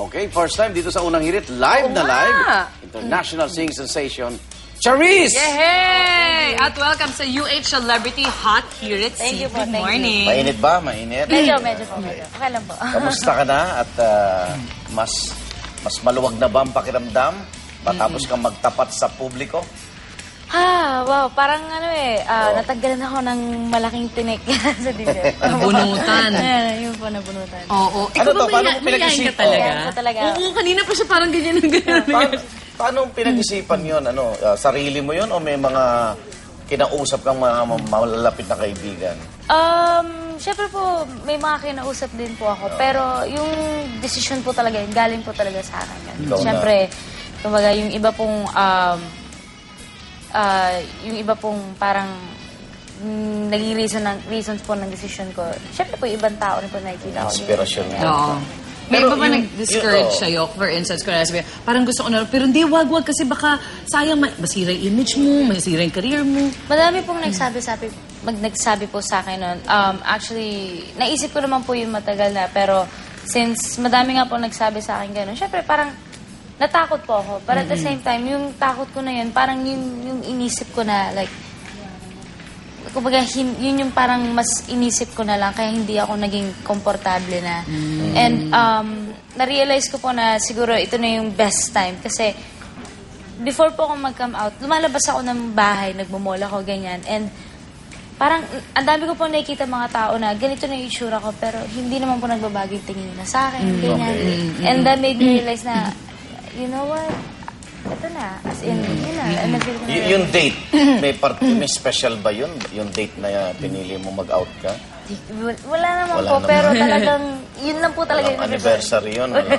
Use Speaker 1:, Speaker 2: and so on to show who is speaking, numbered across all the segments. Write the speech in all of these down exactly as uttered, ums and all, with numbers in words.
Speaker 1: Okay, first time dito sa Unang Hirit, live
Speaker 2: Oo
Speaker 1: na
Speaker 2: nga.
Speaker 1: live. International singing sensation, Charisse!
Speaker 2: Yay! At welcome sa U H Celebrity Hot Hirit.
Speaker 3: Thank you po,
Speaker 2: Good
Speaker 3: thank you.
Speaker 2: morning.
Speaker 1: Mainit ba? Mainit?
Speaker 3: Medyo, medyo po, medyo. Okay lang po.
Speaker 1: Kamusta ka na? At ah, mas mas maluwag na ba ang pakiramdam? Matapos kang magtapat sa publiko?
Speaker 3: Ah, wow, parang ano eh, ah, natagalan ako ng malaking tinik sa dibdib.
Speaker 2: Nabunutan.
Speaker 3: Ayan, yun po, nabunutan.
Speaker 2: Oo. Ikaw
Speaker 1: Ano to?
Speaker 2: ba
Speaker 1: Paano
Speaker 2: maya-
Speaker 1: mo
Speaker 2: mayayain
Speaker 1: pinag-isip?
Speaker 2: ka talaga?
Speaker 3: Yan po talaga.
Speaker 2: Oo, kanina pa siya parang ganyan ng ganyan.
Speaker 1: Paano, paano pinag-isipan yun? Ano, ah, sarili mo yun o may mga kinausap kang mga malalapit na kaibigan?
Speaker 3: Um, syempre po, may mga kinausap din po ako. Pero yung decision po talaga, yun, galing po talaga sa akin. Yan.
Speaker 1: Ikaw na.
Speaker 3: Syempre, kumbaga, yung iba pong, um, ah, yung iba pong parang mm, naging reason ng, reasons po ng decision ko. Syempre po, yung ibang tao rin po nakikita ko.
Speaker 1: Inspirasyon mo.
Speaker 2: Oo. May
Speaker 1: Pero
Speaker 2: iba ba
Speaker 1: yung-
Speaker 2: nag-discourage
Speaker 1: yung- oh.
Speaker 2: sa'yo? For instance, kung nasabi, parang gusto ko na, pero hindi, wag, wag, kasi baka sayang ma- masira yung image mo, masira yung career mo.
Speaker 3: Madami pong nagsabi-sabi, mag nagsabi po sa akin nun. Um, actually, naisip ko naman po yung matagal na, pero since madami nga po nagsabi sa akin gano'n, syempre parang natakot po ako. But at the same time, yung takot ko na yun, parang yung, yung inisip ko na, like, kumbaga, hin, yun yung parang mas inisip ko na lang, kaya hindi ako naging komportable na. And um, na-realize ko po na siguro ito na yung best time. Kasi before po ako mag-come out, lumalabas ako ng bahay, nagmumall ako, ganyan. And parang, ang dami ko po nakikita mga tao na ganito na yung itsura ko, pero hindi naman po nagbabago yung tingin nila sa akin, ganyan. And that made me realize na, you know what? Ito na. As in, yun na. And na-feel ko na
Speaker 1: Y- yung date, may, part, may special ba yun? Yung date na uh, pinili mo mag-out ka?
Speaker 3: Wala wala naman
Speaker 1: Wala
Speaker 3: po,
Speaker 1: naman.
Speaker 3: pero talagang, yun lang po talaga
Speaker 1: Walang
Speaker 3: yung
Speaker 1: anniversary yun. Ano?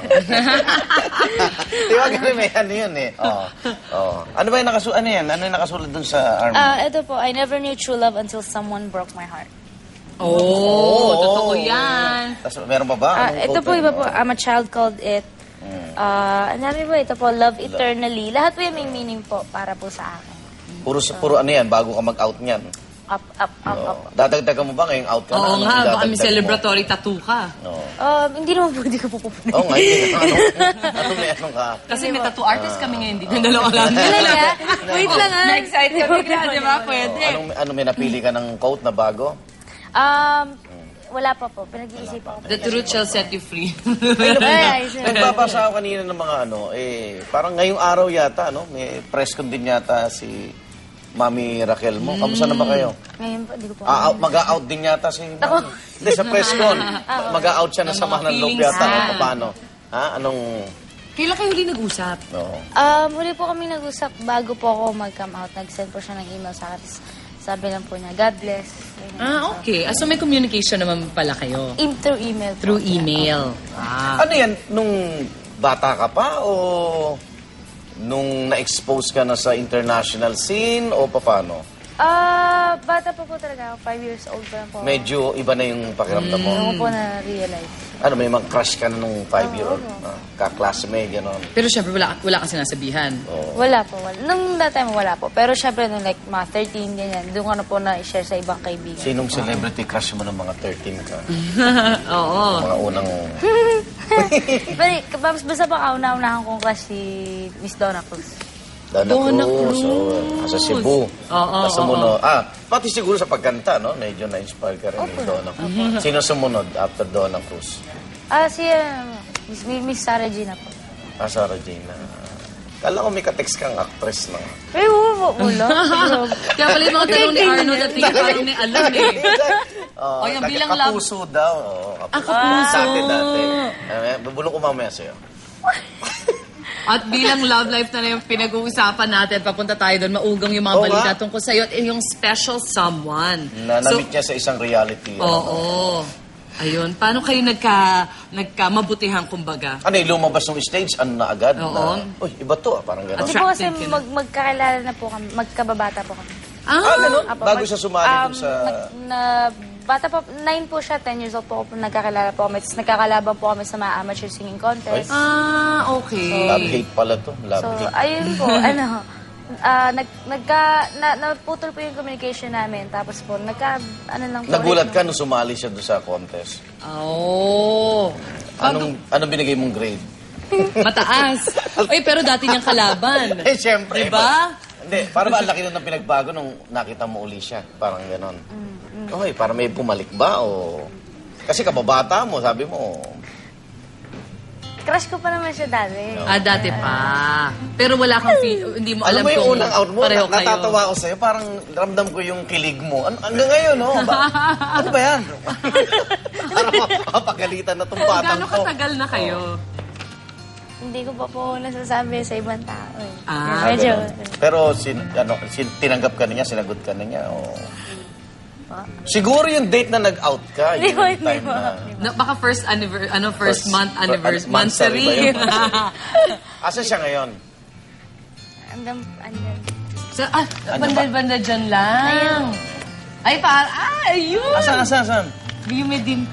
Speaker 1: Di ba ganun may ano yun eh? Oh. Oh. Ano ba yung nakasulat? Ano yan? Ano yung nakasulat dun sa arm?
Speaker 3: Ah, ito po, I never knew true love until someone broke my heart.
Speaker 2: Oo, totoo yan.
Speaker 1: Tapos meron pa ba?
Speaker 3: Ah,
Speaker 1: Anong
Speaker 3: ito
Speaker 1: quote
Speaker 3: po,
Speaker 1: yun?
Speaker 3: iba po, I'm a child called it. Ah, ang dami po, ito po, love eternally. Lahat po yung may meaning po para po sa akin.
Speaker 1: Puro, puro ano yan, bago ka mag-out niyan.
Speaker 3: Up, up, up, up.
Speaker 1: Oh. Dadagdagan mo ba ngayong out ka na?
Speaker 2: Oo
Speaker 1: Anong
Speaker 2: nga, baka
Speaker 1: idadagdag
Speaker 2: may
Speaker 1: mo?
Speaker 2: celebratory tattoo ka.
Speaker 1: Oo.
Speaker 3: Um, hindi naman po, hindi ko po pupunin.
Speaker 1: Oo nga, hindi. Ano, ano may anong ka?
Speaker 2: Kasi may tattoo artist kami ngayon, hindi ko dalawa lang.
Speaker 3: Talaga? Wait lang ah.
Speaker 2: Na-excite ka bigla, di ba? Pwede.
Speaker 1: Oh, anong, ano may napili ka ng quote na bago?
Speaker 3: Um, wala pa po, pinag-iisip ako.
Speaker 2: The truth shall set you free.
Speaker 3: Ay, sir.
Speaker 1: Nagbabasa ako kanina ng mga ano, eh, parang ngayong araw yata, no? May press con din yata si Mami Raquel mo. Kamusta na ba kayo?
Speaker 3: Ngayon po, hindi ko po.
Speaker 1: Ah, out, mag-out din yata si Mami. Hindi, sa press con. Mag-out siya na
Speaker 2: Ng
Speaker 1: sama
Speaker 2: mga
Speaker 1: ng loob
Speaker 2: feelings
Speaker 1: yata.
Speaker 2: niya.
Speaker 1: O paano? Ha? Anong...
Speaker 2: Kailan kayo huli nag-usap?
Speaker 1: No.
Speaker 3: Um, huli po kami nag-usap bago po ako mag-come out. Nag-send po siya ng email sa akin. Sabi lang po niya, God bless. Ganyan.
Speaker 2: Ah, okay. Ah, so may communication naman pala kayo?
Speaker 3: In, through email po.
Speaker 2: Through email. Ah.
Speaker 1: Ano yan? Nung bata ka pa o nung na-expose ka na sa international scene o paano?
Speaker 3: Ah, bata pa po talaga ako. Five years old pa lang po.
Speaker 1: Medyo iba na yung pakiramdam mo.
Speaker 3: Ako po na-realize.
Speaker 1: Ano, may mga crush ka na nung five-year-old? Ah, ka-classmate, gano'n.
Speaker 2: Pero syempre wala, wala kang sinasabihan.
Speaker 3: Wala po. Wala. Nung that time, wala po. Pero syempre, nung like mga thirteen, ganyan, doon ko na po na-share sa ibang kaibigan.
Speaker 1: Sinong celebrity crush mo ng mga thirteen ka?
Speaker 2: Oo.
Speaker 1: Mga unang...
Speaker 3: Pero, mas basta pa kauna-unahan kong crush si Miss Donna Cruz.
Speaker 1: Donna
Speaker 2: Donna
Speaker 1: Cruz.
Speaker 2: Cruz.
Speaker 1: Oh, sa Cebu.
Speaker 2: Oo,
Speaker 1: Sa sumunod. Ah, pati siguro sa pagkanta, no? Medyo na-inspire ka rin ni
Speaker 3: Opo.
Speaker 1: Donna Cruz. Sino sumunod after Donna Cruz?
Speaker 3: Ah, si uh, Miss, Miss Sarah Gina po.
Speaker 1: Ah, Sarah Jane. Kala ko may ka-text kang actress na.
Speaker 3: Ay, oo, wala.
Speaker 2: Kaya pala yung mga tanong ni Arnold at tingin parang may alam eh.
Speaker 1: Oh,
Speaker 2: O, yung bilang love-
Speaker 1: kapuso daw. Oh,
Speaker 2: Ah, kapuso.
Speaker 1: Dati, dati. Eh, bubulong ko mamaya sa'yo.
Speaker 2: At bilang love life na na yung pinag-uusapan natin, papunta tayo doon, maugang yung mga
Speaker 1: Oo
Speaker 2: balita
Speaker 1: nga.
Speaker 2: tungkol sa'yo at yung special someone.
Speaker 1: Na namit niya sa isang reality.
Speaker 2: Oo.
Speaker 1: ano.
Speaker 2: Ayun, paano kayo nagka, nagka mabutihan kumbaga?
Speaker 1: Ano yung lumabas ng stage? Ano na agad?
Speaker 2: Oo.
Speaker 1: Na, uy, iba to ah. Parang gano'n.
Speaker 3: Kasi po kasi
Speaker 2: Attractive yun.
Speaker 3: mag, magkakilala na po kami, magkababata po kami.
Speaker 1: Ah, ganun?
Speaker 3: Apo,
Speaker 1: Bago
Speaker 3: mag-
Speaker 1: siya sumali
Speaker 3: um,
Speaker 1: dun sa...
Speaker 3: nag- na, bata pa, nine po siya, ten years old po ako, nagkakilala po kami. Tapos nagkakalaban po kami sa mga amateur singing contest.
Speaker 2: Ah, okay.
Speaker 1: Love-hate pala to.
Speaker 3: So,
Speaker 1: Love-hate.
Speaker 3: ayun po, ano, ah, nag, nagka, na, naputol po yung communication namin. Tapos po, nagka, ano lang po.
Speaker 1: Nagulat
Speaker 3: like,
Speaker 1: ka nung sumali siya doon sa contest.
Speaker 2: Oh.
Speaker 1: Anong, anong binigay mong grade?
Speaker 2: Mataas. Oy, pero dati niyang kalaban.
Speaker 1: Eh, siyempre.
Speaker 2: Diba?
Speaker 1: Hindi, para ba ang laki nun ng pinagbago nung nakita mo uli siya? Parang ganon. Okay, para may bumalik ba o... Kasi kababata mo, sabi mo.
Speaker 3: Crush ko pa naman siya dati.
Speaker 2: Ah, dati pa. Pero wala kang feel, hindi mo
Speaker 1: Alam
Speaker 2: alam
Speaker 1: mo yung
Speaker 2: kung
Speaker 1: unang out mo,
Speaker 2: pareho
Speaker 1: na-
Speaker 2: kayo.
Speaker 1: natatawa ako sa'yo, parang ramdam ko yung kilig mo. Ano, hanggang ngayon, no? Ba, ano ba yan? Parang mapagalitan na itong batang
Speaker 2: Gano'ng
Speaker 1: to.
Speaker 2: katagal na kayo?
Speaker 3: Hindi ko pa po nasasabi sa ibang tao eh.
Speaker 2: Ah,
Speaker 3: Medyo.
Speaker 1: Pero sin, ano, sin, tinanggap ka na niya, sinagot ka na niya, o... Siguro yung date na nag-out ka,
Speaker 3: Hindi
Speaker 1: yung
Speaker 3: po, hindi
Speaker 1: time
Speaker 3: po.
Speaker 1: na...
Speaker 2: Na, baka first anniversary, ano, first,
Speaker 1: First-
Speaker 2: month
Speaker 1: fir-
Speaker 2: anniversary.
Speaker 1: an- monthsary ba yun?
Speaker 2: Monthsary.
Speaker 1: Asa siya ngayon?
Speaker 3: Andam, andam.
Speaker 2: So, ah, bandal-bandal dyan lang. Ay, pa, ah, ayun.
Speaker 1: Asan, asan, asan?
Speaker 2: Biyumedin.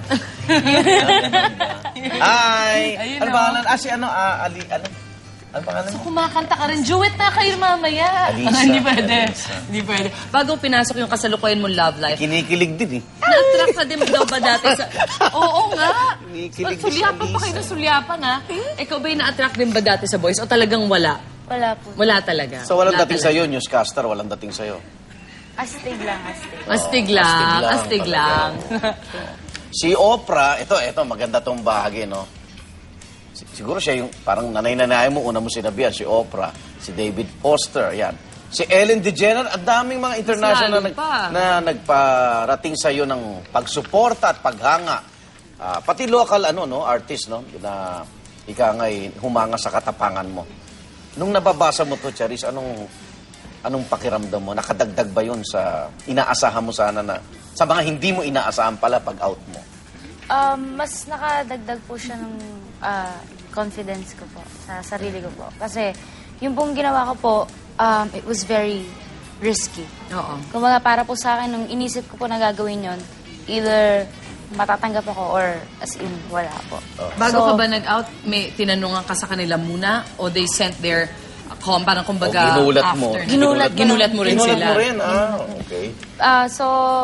Speaker 1: Ay!
Speaker 2: Ayun,
Speaker 1: Ano
Speaker 2: oh.
Speaker 1: pangalan? Ah, si ano? Ah, Ali, ano? Ano pangalan mo?
Speaker 2: Kumakanta ka rin. Duet na kayo mamaya.
Speaker 1: Alisa.
Speaker 2: Hindi pwede.
Speaker 1: Alisa.
Speaker 2: Hindi pwede. Bago pinasok yung kasalukuyan mong love life,
Speaker 1: Kinikilig din eh.
Speaker 2: na-attract ka din daw ba dati sa... Oo nga.
Speaker 1: Kinikilig si
Speaker 2: Sulyapan pa
Speaker 1: Alisa.
Speaker 2: kayo ng sulyapan, ha? Ikaw ba'y na-attract din ba dati sa boys o talagang wala?
Speaker 3: Wala po.
Speaker 2: Wala talaga.
Speaker 1: So walang
Speaker 2: Wala
Speaker 1: dating
Speaker 2: talaga.
Speaker 1: sa'yo, newscaster, walang dating sa'yo.
Speaker 3: Astig lang, astig.
Speaker 2: Astig
Speaker 1: Oh,
Speaker 2: lang.
Speaker 1: astig
Speaker 2: Astig
Speaker 1: lang
Speaker 2: lang.
Speaker 1: Si Oprah, ito, ito, maganda tong bahagi, no? Si- Siguro siya yung parang nanay-nanay mo, una mo sinabihan, si Oprah, si David Foster, yan. Si Ellen DeGeneres, ang daming mga international na,
Speaker 2: Lalo pa.
Speaker 1: na nagparating sa iyo ng pagsuporta at paghanga. Ah, pati local ano no, artist no, na ika nga'y humanga sa katapangan mo. Nung nababasa mo to, Charis, anong anong pakiramdam mo? Nakadagdag ba 'yun sa inaasahan mo sana na sa mga hindi mo inaasahan pala pag out mo?
Speaker 3: Um, mas nakadagdag po siya ng ah, confidence ko po sa sarili ko po. Kasi yung pong ginawa ko po, um, it was very risky.
Speaker 2: Oo.
Speaker 3: Kumbaga para po sa akin, nung inisip ko po na gagawin yon, either matatanggap ako or as in, wala po.
Speaker 2: Bago
Speaker 3: So,
Speaker 2: ka ba nag-out, may tinanungan ka sa kanila muna o they sent their uh, com, parang kumbaga
Speaker 1: O ginulat mo.
Speaker 2: after.
Speaker 3: Ginulat ko
Speaker 2: ginulat
Speaker 3: lang.
Speaker 2: mo rin
Speaker 1: Ginulat
Speaker 2: sila.
Speaker 1: mo rin, ah, okay.
Speaker 3: Ah, so,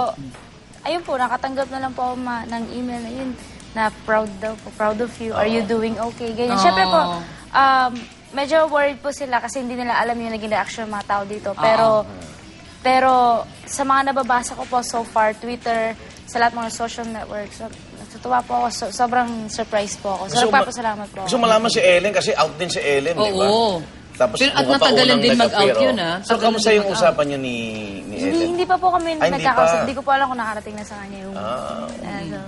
Speaker 3: ayun po, nakatanggap na lang po ako ma- ng email na yun na proud daw po, proud of you, are you doing okay, ganyan.
Speaker 2: Oh.
Speaker 3: Siyempre po, um, medyo worried po sila kasi hindi nila alam yung naging reaction ng mga tao dito. Pero, pero sa mga nababasa ko po so far, Twitter, sa lahat mga social networks, so, natutuwa po ako, so, sobrang surprise po ako. So,
Speaker 1: Gusto mo-
Speaker 3: nagpapasalamat po ako.
Speaker 1: Gusto malaman si Ellen kasi out din si Ellen, di ba?
Speaker 2: Oo.
Speaker 1: Tapos
Speaker 2: Pero at
Speaker 1: mukha pa
Speaker 2: natagalan
Speaker 1: unang
Speaker 2: din mag-out
Speaker 1: nag-appear,
Speaker 2: yun,
Speaker 1: oh.
Speaker 2: ah.
Speaker 1: So,
Speaker 2: Tagalan
Speaker 1: kamusta
Speaker 2: din
Speaker 1: yung
Speaker 2: mag-out.
Speaker 1: usapan niyo ni, ni
Speaker 3: Hindi,
Speaker 1: Ellen?
Speaker 3: hindi pa po kami
Speaker 1: Ay, hindi
Speaker 3: nagkakausap.
Speaker 1: pa.
Speaker 3: Hindi ko po alam kung nakarating na sa kanya yung...
Speaker 1: Ah.
Speaker 3: ano.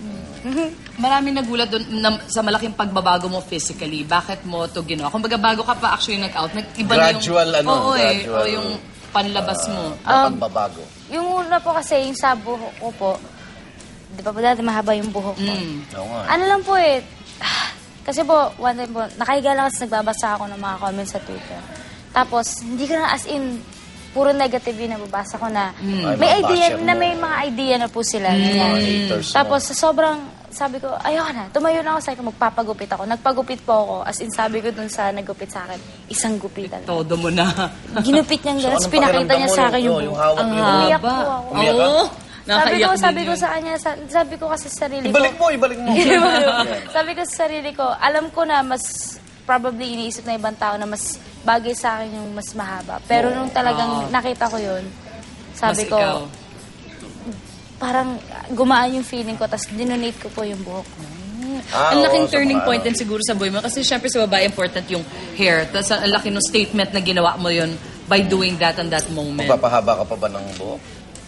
Speaker 2: Maraming nagulat doon na, sa malaking pagbabago mo physically. Bakit mo to ginawa? Kung baga bago ka pa actually nag-out, nag-iba
Speaker 1: Gradual,
Speaker 2: na yung...
Speaker 1: ano,
Speaker 2: Oo, eh.
Speaker 1: gradual.
Speaker 2: O yung panlabas mo.
Speaker 1: na pagbabago.
Speaker 3: Yung una po kasi, yung sa buhok ko po, di ba po dati mahaba yung buhok ko?
Speaker 2: Mm.
Speaker 1: Oo nga.
Speaker 3: Ano lang po eh, kasi po, one time po, nakahiga lang kasi nagbabasa ako ng mga comments sa Twitter. Tapos, hindi ko na as in, puro negative yung nababasa ko na
Speaker 1: Ay,
Speaker 3: may
Speaker 1: mga
Speaker 3: idea,
Speaker 1: basher
Speaker 3: na
Speaker 1: mo.
Speaker 3: may mga idea na po sila. ganyan.
Speaker 1: Mga haters mo.
Speaker 3: Tapos, sa sobrang, sabi ko, ayoko na, tumayo na ako sa akin, magpapagupit ako. Nagpagupit po ako, as in sabi ko dun sa nagupit sa akin, isang gupitan.
Speaker 2: Todo mo na.
Speaker 3: Ginupit niyang gano'n,
Speaker 1: So,
Speaker 3: tapos
Speaker 1: anong
Speaker 3: pinakita
Speaker 1: pakiramdam
Speaker 3: niya
Speaker 1: mo
Speaker 3: sa
Speaker 1: nung-
Speaker 3: akin yung
Speaker 1: oh, yung
Speaker 3: buhok.
Speaker 1: hawak
Speaker 3: Ang
Speaker 1: mo yung
Speaker 3: umiyak
Speaker 2: haba.
Speaker 3: po ako.
Speaker 1: Umiyak ka?
Speaker 2: Oo.
Speaker 3: Sabi
Speaker 2: Nakaiyak
Speaker 3: ko,
Speaker 2: din
Speaker 3: sabi ko
Speaker 2: yun.
Speaker 3: sa kanya, sa- sabi ko kasi sa sarili ko,
Speaker 1: Ibalik mo, ibalik mo.
Speaker 3: sabi ko sa sarili ko, alam ko na mas probably iniisip na ibang tao na mas bagay sa akin yung mas mahaba. Pero nung talagang nakita ko yun, sabi
Speaker 2: Mas
Speaker 3: ko,
Speaker 2: ikaw.
Speaker 3: parang gumaan yung feeling ko, tapos dinonate ko po yung buhok ko.
Speaker 1: Ah,
Speaker 2: Ang laking
Speaker 1: oo, sa
Speaker 2: turning
Speaker 1: mga
Speaker 2: point
Speaker 1: ano.
Speaker 2: din siguro sa buhay mo. Kasi syempre sa babae, important yung hair. Tapos ang laki ng statement na ginawa mo yun by doing that on that moment.
Speaker 1: Magpapahaba ka pa ba ng buhok?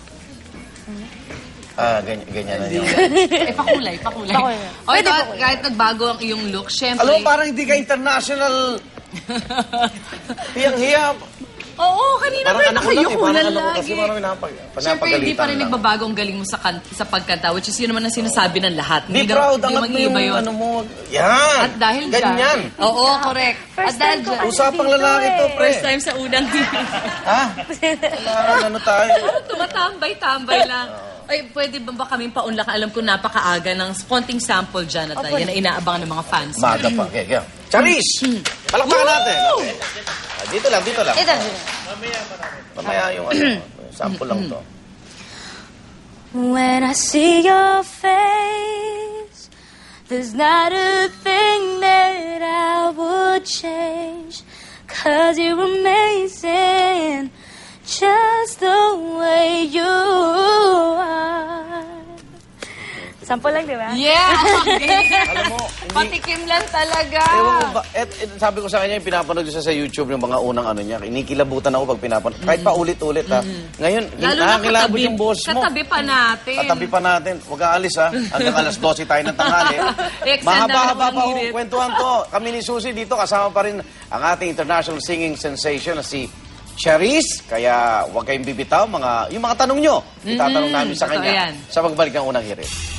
Speaker 1: Ah, ganyan, ganyan na yun.
Speaker 2: eh, pakulay, pakulay.
Speaker 3: Pakulay.
Speaker 2: O
Speaker 3: Pwede
Speaker 2: ito,
Speaker 3: pakulay.
Speaker 2: kahit nagbago ang iyong look, syempre...
Speaker 1: Alam mo, parang hindi ka international. Hiyang-hiya.
Speaker 2: Oo, kanina
Speaker 1: Parang
Speaker 2: ba
Speaker 1: anak ko lang eh.
Speaker 2: nakayuko
Speaker 1: Parang
Speaker 2: na
Speaker 1: anak ko
Speaker 2: lagi.
Speaker 1: kasi parang pinapag-
Speaker 2: Siyempre,
Speaker 1: pinapagalitan
Speaker 2: hindi pa rin
Speaker 1: lang.
Speaker 2: nagbabago ang galing mo sa, kan- sa pagkanta, which is yun naman ang sinasabi ng lahat.
Speaker 1: Be
Speaker 2: daw-
Speaker 1: proud,
Speaker 2: hindi
Speaker 1: angat mo yung
Speaker 2: mag-iiba yun.
Speaker 1: ano mo. Yan.
Speaker 2: At dahil dyan.
Speaker 1: Ganyan.
Speaker 2: Oo, correct.
Speaker 3: First
Speaker 2: At dahil
Speaker 3: time ko
Speaker 2: dyan.
Speaker 3: kasi
Speaker 1: Usapang
Speaker 3: dito
Speaker 1: lalaki to,
Speaker 3: eh.
Speaker 1: pre.
Speaker 2: First time sa unang
Speaker 1: Ha? Kailangan ano tayo.
Speaker 2: tumatambay-tambay lang. Ay, pwede ba ba kaming paunlakan? Alam ko napakaaga ng konting sample dyan at
Speaker 3: Opo.
Speaker 2: yan na inaabangan ng mga fans.
Speaker 1: Maga pa. Okay, okay. Charis! Palakpakan natin. Okay. Ah, dito lang, dito lang.
Speaker 3: Ito.
Speaker 1: Mamaya yung ano, sample lang to.
Speaker 3: When I see your face, there's not a thing that I Sample lang, di ba?
Speaker 2: Yeah!
Speaker 1: Alam mo, hindi...
Speaker 2: Patikim lang talaga.
Speaker 1: Ewan ko ba, et, et, sabi ko sa kanya, yung pinapanood ko siya sa YouTube, yung mga unang ano niya, inikilabutan ako pag pinapanood. Kahit pa ulit-ulit ha. Ngayon,
Speaker 2: Lalo na
Speaker 1: nakakilabot
Speaker 2: katabi,
Speaker 1: yung boss mo.
Speaker 2: katabi pa natin.
Speaker 1: Katabi pa natin. Huwag ka alis ha. Hanggang alas dose tayo ng tanghali.
Speaker 2: Extend
Speaker 1: Mahaba-haba
Speaker 2: ang
Speaker 1: pa ho.
Speaker 2: hirit.
Speaker 1: Kwentuhan to. Kami ni Susie dito, kasama pa rin ang ating international singing sensation na si Charisse. Kaya huwag kayong bibitaw. Mga, yung mga tanong nyo, itatanong namin sa
Speaker 2: totoo
Speaker 1: kanya
Speaker 2: yan.
Speaker 1: sa pagbalik ng unang hirit.